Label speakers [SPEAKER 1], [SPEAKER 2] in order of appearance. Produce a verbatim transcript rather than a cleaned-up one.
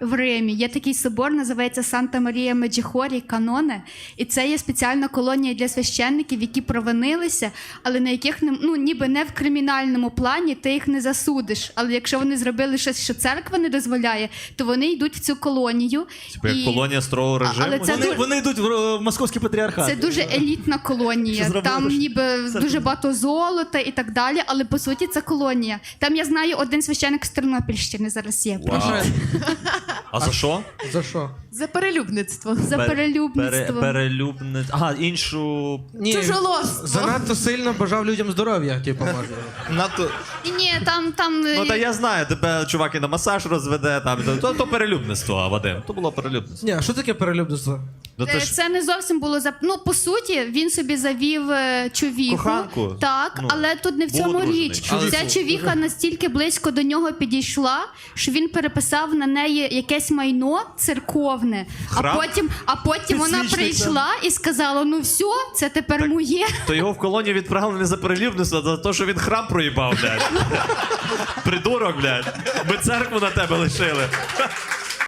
[SPEAKER 1] в Римі. Є такий собор, називається Санта-Марія Меджихорі, Каноне. І це є спеціальна колонія для священників, які провинилися, але на яких, не- ну, ніби не в кримінальному плані, ти їх не засудиш. Але якщо вони зробили щось, що церква не дозволяє, то вони йдуть в цю колонію.
[SPEAKER 2] Типу як колонія строгого режиму?
[SPEAKER 1] Але це
[SPEAKER 3] Вони,
[SPEAKER 1] дуже-
[SPEAKER 3] вони йдуть в, в московський патріархат.
[SPEAKER 1] Це дуже елітна колонія.
[SPEAKER 3] Що зробили,
[SPEAKER 1] Там
[SPEAKER 3] що-
[SPEAKER 1] ніби дуже багато золота і так далі, але по суті це колонія. Там я знаю один священик з Тернопільщини зараз є.
[SPEAKER 2] Вау. А за що?
[SPEAKER 4] За що?
[SPEAKER 5] За перелюбництво.
[SPEAKER 1] За
[SPEAKER 2] Пер-
[SPEAKER 1] перелюбництво.
[SPEAKER 2] Пере, перелюбне... Ага, іншу...
[SPEAKER 4] Ні,
[SPEAKER 5] Чужоложство.
[SPEAKER 4] занадто сильно бажав людям здоров'я, типу, може.
[SPEAKER 2] Надто...
[SPEAKER 1] Ні, ні, там, там
[SPEAKER 2] Ну, та я знаю, тебе чувак і на масаж розведе, там, то, то перелюбництво, Вадим. То було перелюбництво.
[SPEAKER 4] Ні, а що таке перелюбництво?
[SPEAKER 2] Ну,
[SPEAKER 1] Е,
[SPEAKER 2] це ж...
[SPEAKER 1] Це не зовсім було за ну по суті. Він собі завів е, човіху,
[SPEAKER 2] Коханку?
[SPEAKER 1] так,
[SPEAKER 2] Ну,
[SPEAKER 1] але тут не в
[SPEAKER 2] був
[SPEAKER 1] цьому
[SPEAKER 2] одружений.
[SPEAKER 1] річ.
[SPEAKER 2] Але-
[SPEAKER 1] Ця човіха настільки близько до нього підійшла, що він переписав на неї якесь майно церковне.
[SPEAKER 2] Храм?
[SPEAKER 1] А потім, а потім вона
[SPEAKER 3] Підсвічник,
[SPEAKER 1] прийшла і сказала: ну все, це тепер моє.
[SPEAKER 2] То його в колонію відправили не за перелюбництво, а за те, що він храм проїбав, блядь. Придурок, блядь. Ми церкву на тебе лишили.